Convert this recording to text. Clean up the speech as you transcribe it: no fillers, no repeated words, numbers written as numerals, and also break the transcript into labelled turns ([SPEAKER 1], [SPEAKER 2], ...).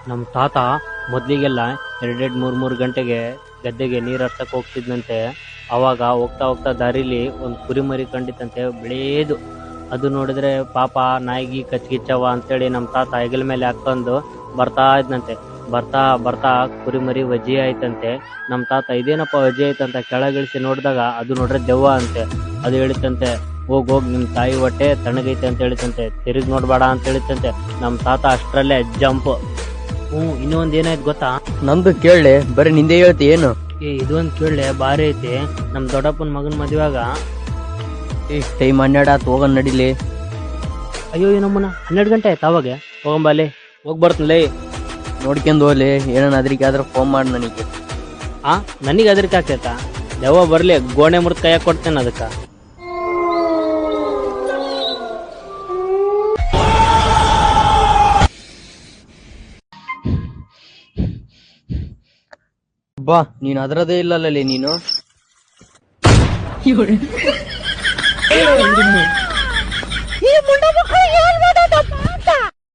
[SPEAKER 1] ನಮ್ಮ ತಾತ ಮೊದ್ಲಿಗೆಲ್ಲ ಎರಡೆರಡು ಮೂರ್ ಗಂಟೆಗೆ ಗದ್ದೆಗೆ ನೀರ್ ಹರ್ಸಕ್ ಹೋಗ್ತಿದ್ನಂತೆ. ಅವಾಗ ಹೋಗ್ತಾ ಹೋಗ್ತಾ ದಾರಿಲಿ ಒಂದ್ ಕುರಿಮರಿ ಕಂಡಿತ್ತಂತೆ, ಬೆಳೆಯದು. ಅದು ನೋಡಿದ್ರೆ ಪಾಪ ನಾಯಿಗಿ ಕಚ್ಗಿಚ್ಚವ ಅಂತೇಳಿ ನಮ್ಮ ತಾತ ಹೆಗಲ ಮೇಲೆ ಹಾಕೊಂಡು ಬರ್ತಾ ಇದ್ನಂತೆ. ಬರ್ತಾ ಬರ್ತಾ ಕುರಿಮರಿ ವಜ್ಜಿ ಆಯ್ತಂತೆ. ನಮ್ಮ ತಾತ ಇದೇನಪ್ಪ ವಜ್ಜಿ ಆಯ್ತಂತ ಕೆಳಗಿಳಿಸಿ ನೋಡಿದಾಗ ಅದು ನೋಡ್ರೆ ದೆವ್ವ ಅಂತೆ. ಅದು ಹೇಳಿತಂತೆ, ಹೋಗ್ ನಿಮ್ ತಾಯಿ ಹೊಟ್ಟೆ ತಣ್ಣಗೈತೆ ಅಂತ ಹೇಳಿತಂತೆ, ತಿರುಗಿ ನೋಡ್ಬೇಡ ಅಂತ ಹೇಳಿತಂತೆ. ನಮ್ಮ ತಾತ ಅಷ್ಟ್ರಲ್ಲೇ ಜಂಪ್. ಇನ್ನೊಂದ್ ಏನಾಯ್ತು ಗೊತ್ತಾ?
[SPEAKER 2] ನಮ್ದು ಕೇಳಲೆ, ಬರೀ ನಿಂದೆ ಹೇಳ್ತಿ ಏನು?
[SPEAKER 1] ಇದೊಂದ್ ಕೇಳಲೆ, ಬಾರಿ ಐತಿ. ನಮ್ ದೊಡ್ಡಪ್ಪನ ಮಗನ್ ಮದ್ವೆಗ
[SPEAKER 2] ಟೈಮ್ 12 ಆತು, ಹೋಗನ್ ನಡಿಲಿ.
[SPEAKER 1] ಅಯ್ಯೋ ನಮ್ಮನ 12 ಗಂಟೆ ಆಯ್ತು. ಅವಾಗ ಹೋಗಂಬಲ್ಲಿ ಹೋಗ್ ಬರ್ತನ್ಲೇ.
[SPEAKER 2] ನೋಡ್ಕೊಂಡ್ ಹೋಗ್ಲಿ, ಏನನ್ ಅದ್ರಿಗೆ ಆದ್ರೆ ಫೋನ್ ಮಾಡಿ ನನಗೆ.
[SPEAKER 1] ನನಗೆ ಅದ್ರಕ್ಕೆ ಆಗ್ತೈತಾ? ದೆವ್ವ ಬರ್ಲಿ, ಗೋಣೆ ಮುರ್ದ್ ಕೈಯಾಗ ಕೊಡ್ತೇನೆ ಅದಕ್ಕ.
[SPEAKER 2] ಬಾ, ನೀನ್ ಅದ್ರದೇ ಇಲ್ಲಲ್ಲೇ ನೀನು.